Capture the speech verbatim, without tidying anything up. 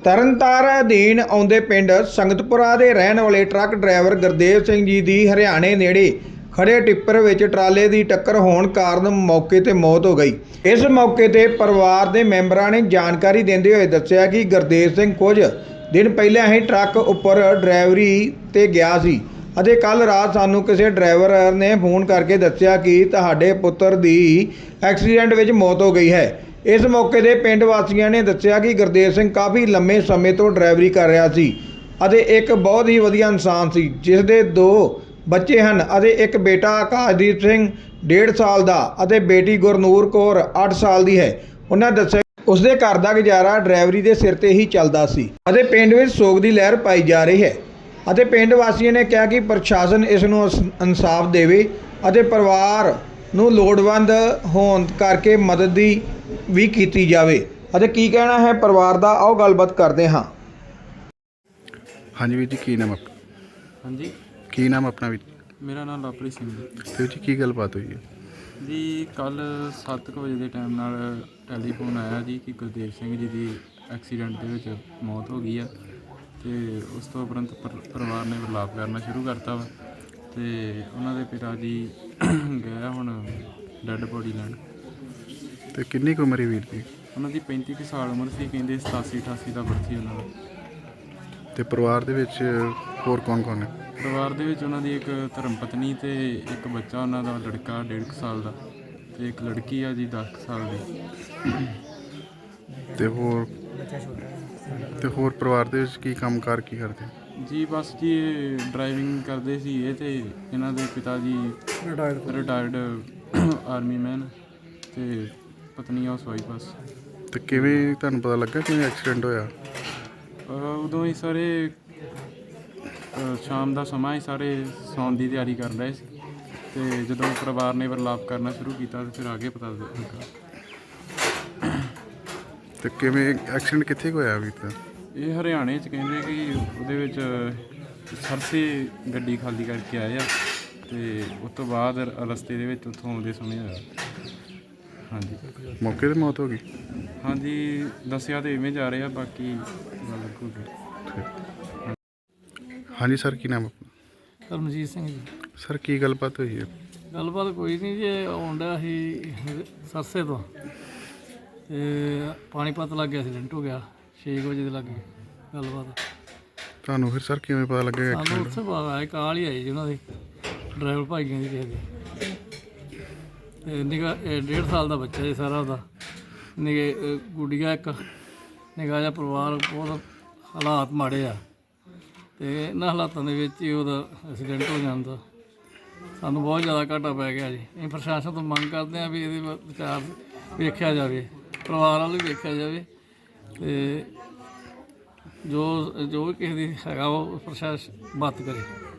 ਤਰਨਤਾਰਨ ਅਧੀਨ ਆਉਂਦੇ ਪਿੰਡ ਸੰਗਤਪੁਰਾ ਦੇ ਰਹਿਣ ਵਾਲੇ ਟਰੱਕ ਡਰਾਈਵਰ ਗੁਰਦੇਵ ਸਿੰਘ ਜੀ ਦੀ ਹਰਿਆਣੇ ਨੇੜੇ ਖੜੇ ਟਿੱਪਰ ਵਿੱਚ ਟਰਾਲੇ ਦੀ ਟੱਕਰ ਹੋਣ ਕਾਰਨ ਮੌਕੇ ਤੇ ਮੌਤ ਹੋ ਗਈ। ਇਸ ਮੌਕੇ ਤੇ ਪਰਿਵਾਰ ਦੇ ਮੈਂਬਰਾਂ ਨੇ ਜਾਣਕਾਰੀ ਦਿੰਦੇ ਹੋਏ ਦੱਸਿਆ ਕਿ ਗੁਰਦੇਵ ਸਿੰਘ ਕੁਝ ਦਿਨ ਪਹਿਲਾਂ ਹੀ ਟਰੱਕ ਉੱਪਰ ਡਰਾਈਵਰੀ ਤੇ ਗਿਆ ਸੀ ਅਤੇ ਕੱਲ ਰਾਤ ਸਾਨੂੰ ਕਿਸੇ ਡਰਾਈਵਰ ਨੇ ਫੋਨ ਕਰਕੇ ਦੱਸਿਆ ਕਿ ਤੁਹਾਡੇ ਪੁੱਤਰ ਦੀ ਐਕਸੀਡੈਂਟ ਵਿੱਚ ਮੌਤ ਹੋ ਗਈ ਹੈ। ਇਸ ਮੌਕੇ ਦੇ ਪਿੰਡ ਵਾਸੀਆਂ ਨੇ ਦੱਸਿਆ ਕਿ ਗੁਰਦੇਵ ਸਿੰਘ ਕਾਫੀ ਲੰਮੇ ਸਮੇਂ ਤੋਂ ਡਰਾਈਵਰੀ ਕਰ ਰਿਹਾ ਸੀ ਅਤੇ ਇੱਕ ਬਹੁਤ ਹੀ ਵਧੀਆ ਇਨਸਾਨ ਸੀ ਜਿਸ ਦੇ ਦੋ ਬੱਚੇ ਹਨ ਅਤੇ ਇੱਕ ਬੇਟਾ ਆਕਾਸ਼ਦੀਪ ਸਿੰਘ ਡੇਢ ਸਾਲ ਦਾ ਅਤੇ ਬੇਟੀ ਗੁਰਨੂਰ ਕੌਰ ਅੱਠ ਸਾਲ ਦੀ ਹੈ। ਉਹਨਾਂ ਦੱਸਿਆ ਉਸਦੇ ਘਰ ਦਾ ਗੁਜ਼ਾਰਾ ਡਰਾਈਵਰੀ ਦੇ ਸਿਰ ਤੇ ਹੀ ਚੱਲਦਾ ਸੀ ਅਤੇ ਪਿੰਡ ਵਿੱਚ ਸੋਗ ਦੀ ਲਹਿਰ ਪਾਈ ਜਾ ਰਹੀ ਹੈ ਅਤੇ ਪਿੰਡ ਵਾਸੀਆਂ ਨੇ ਕਿਹਾ ਕਿ ਪ੍ਰਸ਼ਾਸਨ ਇਸ ਨੂੰ ਇਨਸਾਫ ਦੇਵੇ ਅਤੇ ਪਰਿਵਾਰ ਨੂੰ ਲੋੜਵੰਦ ਹੋਣ ਕਰਕੇ ਮਦਦ ਦੀ ਵੀ ਕੀਤੀ ਜਾਵੇ ਅਤੇ ਕੀ ਕਹਿਣਾ ਹੈ ਪਰਿਵਾਰ ਦਾ, ਆਓ ਗੱਲਬਾਤ ਕਰਦੇ ਹਾਂ। ਹਾਂਜੀ ਵੀਰ ਜੀ, ਕੀ ਨਾਮ ਆਪਣਾ? ਹਾਂਜੀ, ਕੀ ਨਾਮ ਆਪਣਾ ਵੀਰ? ਮੇਰਾ ਨਾਮ ਲਵਪ੍ਰੀਤ ਸਿੰਘ ਜੀ। ਵੀਰ ਜੀ ਕੀ ਗੱਲਬਾਤ ਹੋਈ ਹੈ ਜੀ? ਕੱਲ ਸੱਤ ਕੁ ਵਜੇ ਦੇ ਟਾਈਮ ਨਾਲ ਟੈਲੀਫੋਨ ਆਇਆ ਜੀ ਕਿ ਗੁਰਦੇਵ ਸਿੰਘ ਜੀ ਦੀ ਐਕਸੀਡੈਂਟ ਦੇ ਵਿੱਚ ਮੌਤ ਹੋ ਗਈ ਆ ਅਤੇ ਉਸ ਤੋਂ ਉਪਰੰਤ ਪਰ ਪਰਿਵਾਰ ਨੇ ਵਿਰਲਾਪ ਕਰਨਾ ਸ਼ੁਰੂ ਕਰਤਾ ਵਾ ਅਤੇ ਉਹਨਾਂ ਦੇ ਪਿਤਾ ਜੀ ਗਏ ਹੁਣ ਡੈੱਡ ਬੋਡੀ ਲੈਣ। ਤੇ ਕਿੰਨੀ ਕੁ ਉਮਰ ਹੈ ਵੀਰ ਦੀ? ਉਹਨਾਂ ਦੀ ਪੈਂਤੀ ਕੁ ਸਾਲ ਉਮਰ ਸੀ, ਕਹਿੰਦੇ ਸਤਾਸੀ ਅਠਾਸੀ ਦਾ ਬਰਥ ਸੀ ਉਹਨਾਂ ਦਾ। ਤੇ ਪਰਿਵਾਰ ਦੇ ਵਿੱਚ ਹੋਰ ਕੌਣ ਕੌਣ ਹੈ? ਪਰਿਵਾਰ ਦੇ ਵਿੱਚ ਉਹਨਾਂ ਦੀ ਇੱਕ ਧਰਮ ਪਤਨੀ ਅਤੇ ਇੱਕ ਬੱਚਾ ਉਹਨਾਂ ਦਾ ਲੜਕਾ ਡੇਢ ਕੁ ਸਾਲ ਦਾ ਅਤੇ ਇੱਕ ਲੜਕੀ ਆ ਜੀ ਦਸ ਕੁ ਸਾਲ ਦੀ। ਤੇ ਹੋਰ ਤੇ ਹੋਰ ਪਰਿਵਾਰ ਦੇ ਵਿੱਚ ਕੀ ਕੰਮ ਕਾਰ ਕੀ ਕਰਦੇ ਜੀ? ਬਸ ਜੀ ਇਹ ਡਰਾਈਵਿੰਗ ਕਰਦੇ ਸੀ ਇਹ, ਅਤੇ ਇਹਨਾਂ ਦੇ ਪਿਤਾ ਜੀ ਰਿਟਾਇਰਡ ਆਰਮੀ ਮੈਨ ਅਤੇ ਪਤਨੀ ਹਾਊਸ ਵਾਈਫ ਬਸ। ਤੇ ਕਿਵੇਂ ਤੁਹਾਨੂੰ ਪਤਾ ਲੱਗਾ ਕਿਵੇਂ ਐਕਸੀਡੈਂਟ ਹੋਇਆ? ਉਦੋਂ ਹੀ ਸਾਰੇ ਸ਼ਾਮ ਦਾ ਸਮਾਂ ਹੀ ਸਾਰੇ ਸੌਣ ਦੀ ਤਿਆਰੀ ਕਰ ਰਹੇ ਸੀ ਅਤੇ ਜਦੋਂ ਪਰਿਵਾਰ ਨੇ ਵਿਰਲਾਪ ਕਰਨਾ ਸ਼ੁਰੂ ਕੀਤਾ ਤਾਂ ਫਿਰ ਆਗੇ ਪਤਾ ਲੱਗਾ। ਤੇ ਕਿਵੇਂ ਐਕਸੀਡੈਂਟ ਕਿੱਥੇ ਕੁ ਹੋਇਆ ਵੀਰ ਦਾ? ਇਹ ਹਰਿਆਣੇ 'ਚ ਕਹਿੰਦੇ ਕਿ ਉਹਦੇ ਵਿੱਚ ਸਰਸੇ ਗੱਡੀ ਖਾਲੀ ਕਰਕੇ ਆਏ ਆ ਅਤੇ ਉਸ ਤੋਂ ਬਾਅਦ ਰਸਤੇ ਦੇ ਵਿੱਚ ਉੱਥੋਂ ਆਉਂਦੇ ਸਮੇਂ ਹੋਇਆ। ਹਾਂਜੀ, ਮੌਕੇ 'ਤੇ ਮੌਤ ਹੋ ਗਈ? ਹਾਂਜੀ, ਦੱਸਿਆ ਤਾਂ ਇਵੇਂ ਜਾ ਰਹੇ ਆ, ਬਾਕੀ ਗੱਲ ਲੱਗੂਗੀ। ਹਾਂਜੀ ਸਰ, ਕੀ ਨਾਮ ਆਪਣਾ? ਕਰਮਜੀਤ ਸਿੰਘ ਜੀ। ਸਰ ਕੀ ਗੱਲਬਾਤ ਹੋਈ ਹੈ? ਗੱਲਬਾਤ ਕੋਈ ਨਹੀਂ ਜੀ, ਆਉਣ ਡਿਆ ਸੀ ਸਰਸੇ ਤੋਂ ਅਤੇ ਪਾਣੀਪਤ ਲੱਗ ਗਿਆ, ਐਕਸੀਡੈਂਟ ਹੋ ਗਿਆ ਛੇ ਕੁ ਵਜੇ ਦੇ ਲੱਗੇ। ਗੱਲਬਾਤ ਤੁਹਾਨੂੰ ਫਿਰ ਸਰ ਕਿਵੇਂ ਪਤਾ ਲੱਗਿਆ ਸਾਨੂੰ ਐਕਸੀਡੈਂਟ? ਉੱਥੇ ਬਾਅਦ ਆਏ, ਕਾਲ ਹੀ ਆਈ ਜੀ ਉਹਨਾਂ ਦੀ ਡਰਾਈਵਰ ਭਾਈਆਂ ਦੀ ਕਿਸੇ ਦੀ, ਅਤੇ ਨਿੱਘਾ ਡੇਢ ਸਾਲ ਦਾ ਬੱਚਾ ਜੀ ਸਾਰਾ ਉਹਦਾ, ਨਿੱਘੇ ਗੁੱਡੀਆ ਇੱਕ ਨਿੱਘਾ ਜਿਹਾ ਪਰਿਵਾਰ। ਬਹੁਤ ਹਾਲਾਤ ਮਾੜੇ ਆ ਅਤੇ ਇਹਨਾਂ ਹਾਲਾਤਾਂ ਦੇ ਵਿੱਚ ਹੀ ਉਹਦਾ ਐਕਸੀਡੈਂਟ ਹੋ ਜਾਂਦਾ। ਸਾਨੂੰ ਬਹੁਤ ਜ਼ਿਆਦਾ ਘਾਟਾ ਪੈ ਗਿਆ ਜੀ। ਅਸੀਂ ਪ੍ਰਸ਼ਾਸਨ ਤੋਂ ਮੰਗ ਕਰਦੇ ਹਾਂ ਵੀ ਇਹਦੇ ਵਿਚਾਰ ਵੇਖਿਆ ਜਾਵੇ, ਪਰਿਵਾਰ ਵੱਲ ਵੀ ਵੇਖਿਆ ਜਾਵੇ ਅਤੇ ਜੋ ਜੋ ਵੀ ਕਿਸੇ ਦੀ ਹੈਗਾ ਉਹ ਪ੍ਰਸ਼ਾਸਨ ਬਾਤ ਕਰੇ।